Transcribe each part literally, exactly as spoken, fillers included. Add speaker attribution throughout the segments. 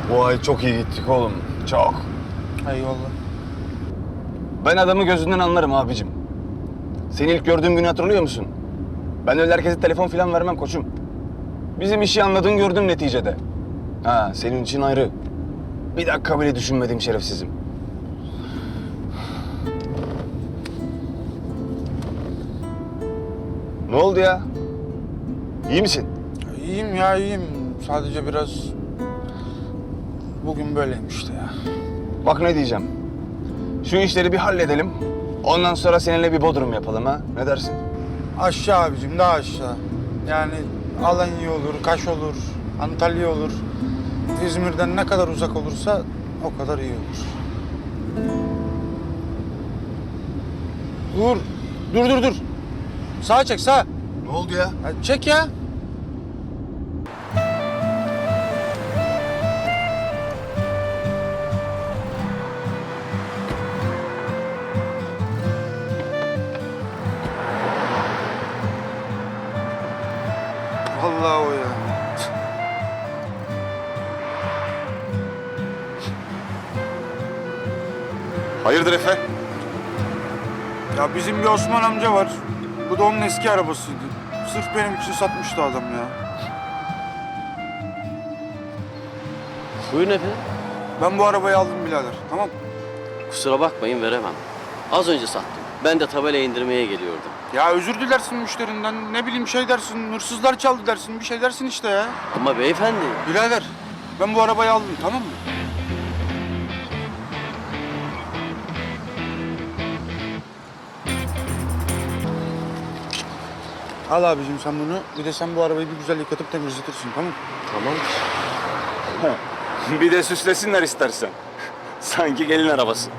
Speaker 1: Bu ay çok iyi gittik oğlum. Çok.
Speaker 2: Eyvallah.
Speaker 1: Ben adamı gözünden anlarım abicim. Seni ilk gördüğüm günü hatırlıyor musun? Ben öyle herkese telefon falan vermem koçum. Bizim işi anladın gördün neticede. Ha, senin için ayrı. Bir dakika bile düşünmedim şerefsizim. Ne oldu ya? İyi misin?
Speaker 2: İyiyim ya iyiyim. Sadece biraz... Bugün böyleyim işte ya.
Speaker 1: Bak ne diyeceğim. Şu işleri bir halledelim. Ondan sonra seninle bir bodrum yapalım ha. Ne dersin?
Speaker 2: Aşağı abicim, daha aşağı. Yani Alanya olur, Kaş olur, Antalya olur. İzmir'den ne kadar uzak olursa o kadar iyi olur. Dur, dur dur dur. Sağa çek, sağa.
Speaker 1: Ne oldu ya?
Speaker 2: Ya çek ya. Vallahi o ya.
Speaker 1: Hayırdır Efe?
Speaker 2: Ya bizim bir Osman amca var. Bu da onun eski arabasıydı. Sırf benim için satmıştı adam ya.
Speaker 3: Buyurun efendim.
Speaker 2: Ben bu arabayı aldım birader, tamam mı?
Speaker 3: Kusura bakmayın veremem. Az önce sattım. Ben de tabela indirmeye geliyordum.
Speaker 2: Ya özür dilersin müşterinden, ne bileyim şey dersin, hırsızlar çaldı dersin, bir şey dersin işte ya.
Speaker 3: Ama beyefendi.
Speaker 2: Birader, ben bu arabayı aldım, tamam mı? Al abicim sen bunu, bir de sen bu arabayı bir güzel yıkatıp temizletirsin, tamam mı?
Speaker 3: Tamam.
Speaker 1: Bir de süslesinler istersen. Sanki gelin arabası.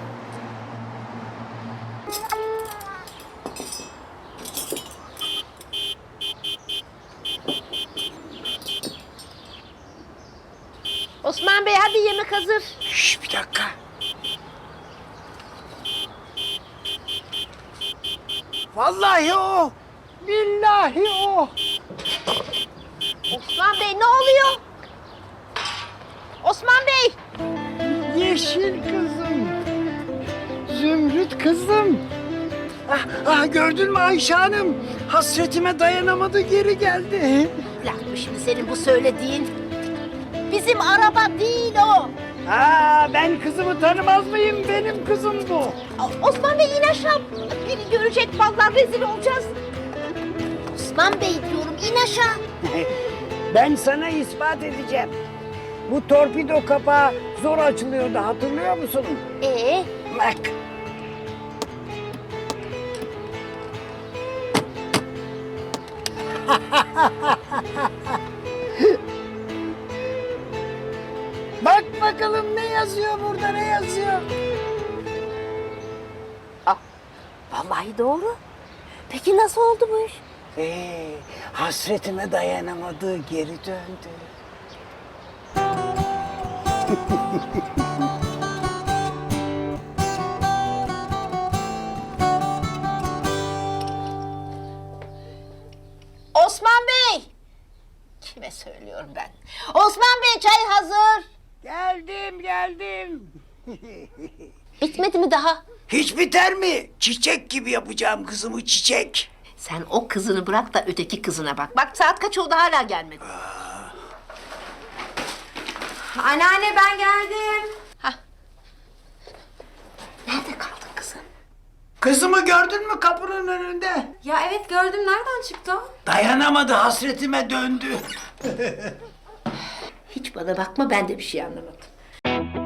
Speaker 4: Osman Bey hadi yemek hazır.
Speaker 2: Şş, bir dakika.
Speaker 5: Vallahi o. Billahi o.
Speaker 4: Osman Bey ne oluyor? Osman Bey.
Speaker 5: Yeşil kızım. Zümrüt kızım. Ah, ah gördün mü Ayşe Hanım? Hasretime dayanamadı geri geldi.
Speaker 4: Laf mı şimdi senin bu söylediğin? Bizim araba değil o.
Speaker 5: Aa, ben kızımı tanımaz mıyım? Benim kızım bu.
Speaker 4: O- Osman Bey in aşağı. Biri görecek vallahi rezil olacağız. Osman Bey diyorum in aşağı.
Speaker 5: Ben sana ispat edeceğim. Bu torpido kapağı zor açılıyordu, hatırlıyor musun?
Speaker 4: Ee,
Speaker 5: Bak. Bak bakalım ne yazıyor burada, ne yazıyor?
Speaker 4: vallahi doğru. Peki nasıl oldu bu iş?
Speaker 5: Ee, hasretime dayanamadı, geri döndü.
Speaker 4: Osman Bey. Kime söylüyorum ben? Osman Bey çay hazır.
Speaker 5: Geldim, geldim.
Speaker 4: Bitmedi mi daha?
Speaker 5: Hiç biter mi? Çiçek gibi yapacağım kızımı, çiçek.
Speaker 4: Sen o kızını bırak da öteki kızına bak. Bak saat kaç oldu hala gelmedi.
Speaker 6: Anneanne ben geldim.
Speaker 4: Nerede kaldın kızım?
Speaker 5: Kızımı gördün mü kapının önünde?
Speaker 6: Ya evet gördüm. Nereden çıktı o?
Speaker 5: Dayanamadı, hasretime döndü.
Speaker 4: Hiç bana bakma ben de bir şey anlamadım.